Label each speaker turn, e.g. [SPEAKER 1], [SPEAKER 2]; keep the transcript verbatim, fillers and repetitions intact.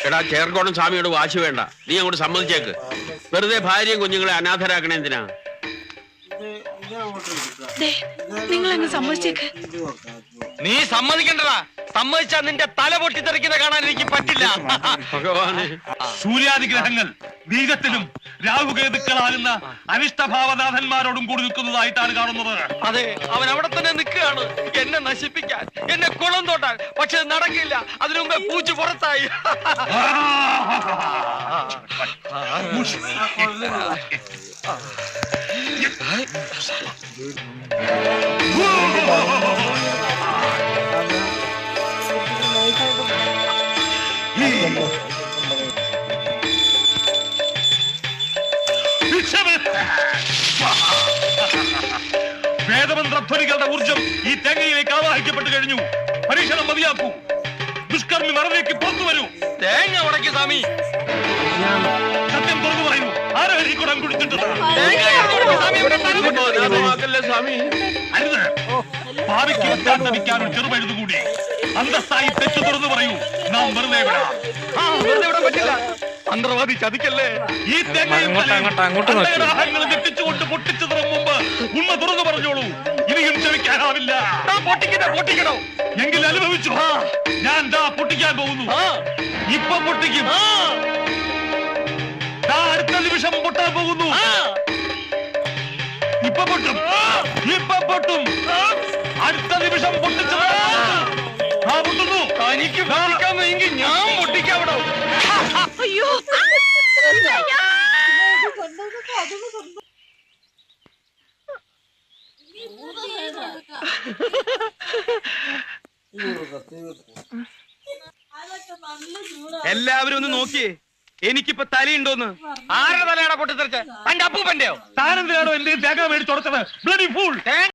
[SPEAKER 1] എടാ ചേർക്കോണം സ്വാമിയോട് വാശി വേണ്ട, നീ അങ്ങോട്ട് സമ്മതിച്ചേക്ക്. വെറുതെ ഭാര്യയും കുഞ്ഞുങ്ങളെ അനാഥരാക്കണേ എന്തിനാ?
[SPEAKER 2] നിങ്ങൾ അങ്ങ് സമ്മതിച്ചേക്ക്.
[SPEAKER 3] നീ സമ്മതിക്കണ്ടടാ. സമ്മതിച്ചാ നിന്റെ തല പൊട്ടിത്തെറിക്കുന്ന കാണാൻ എനിക്ക് പറ്റില്ല.
[SPEAKER 1] ഭഗവാനെ,
[SPEAKER 4] സൂര്യാദിഗ്രഹങ്ങൾ ബീജത്തിലും രാഹുകേതുക്കളാകുന്ന അനിഷ്ടഭാവനാഥന്മാരോടും കൂടി നിൽക്കുന്നതായിട്ടാണ് കാണുന്നത്.
[SPEAKER 3] അതെ, അവൻ അവിടെ തന്നെ നിൽക്കുകയാണ് എന്നെ നശിപ്പിക്കാൻ, എന്നെ കുളം തോട്ടാൻ. പക്ഷെ നടക്കില്ല, അതിനു മുമ്പേ പൂച്ചു പുറത്തായി.
[SPEAKER 4] വേദമന്ത്രധ്വനികളുടെ ഊർജം ഈ തേങ്ങയിലേക്ക് ആവാഹിക്കപ്പെട്ടു കഴിഞ്ഞു. പരീക്ഷണം മതിയാക്കൂ. ദുഷ്കർമ്മി മറവിലേക്ക് പുറത്തു വരൂ.
[SPEAKER 3] തേങ്ങ ഉടക്കി സ്വാമി.
[SPEAKER 4] സത്യം തുറന്നു പറയുന്നു. ആരാ ഈ കുടം കുടിച്ചിട്ടത്?
[SPEAKER 1] സ്വാമി
[SPEAKER 4] അരുത്. ഭാവിക്ക് വെച്ചാൽ നമിക്കാൻ ഒരു ചെറുപഴുതു കൂടി. അന്തസ്സായി തെറ്റു തുറന്നു പറയൂ. നാം വെറുതെ വിടാം.
[SPEAKER 3] പറ്റില്ല. മന്ത്രവാദി ചതിക്കല്ലേ.
[SPEAKER 4] ഈ തേങ്ങയും തെറ്റിച്ചുകൊണ്ട് പൊട്ടിച്ചതിന് മുമ്പ് ഉണ്മ തുറന്നു പറഞ്ഞോളൂ. ഇനിയും ക്ഷമിക്കാനാവില്ല.
[SPEAKER 3] പൊട്ടിക്കണോ പൊട്ടിക്കണോ
[SPEAKER 4] എങ്കിൽ അനുഭവിച്ചു. ഞാൻ ദാ പൊട്ടിക്കാൻ പോകുന്നു. ഇപ്പൊ പൊട്ടിക്കും. ദാ അടുത്ത നിമിഷം പൊട്ടാൻ പോകുന്നു. ഇപ്പൊ പൊട്ടും. ഇപ്പൊ പൊട്ടും. അടുത്ത നിമിഷം പൊട്ടിച്ചു. ആ പൊട്ടുന്നു.
[SPEAKER 3] എനിക്ക് പൊട്ടിക്കാമെങ്കിൽ ഞാൻ പൊട്ടിക്കാവിടോ.
[SPEAKER 2] അയ്യോ,
[SPEAKER 3] എല്ലാവരും ഒന്ന് നോക്കിയേ, എനിക്കിപ്പോ തലയുണ്ടോന്ന്. ആരുടെ തലയാണോ പൊട്ടിത്തെറിച്ച? തന്റെ അപ്പൂപ്പന്റെയോ?
[SPEAKER 4] താനെന്തിനാണോ എന്റെ തേങ്ങ മേടിച്ചുടച്ചത്? Bloody fool.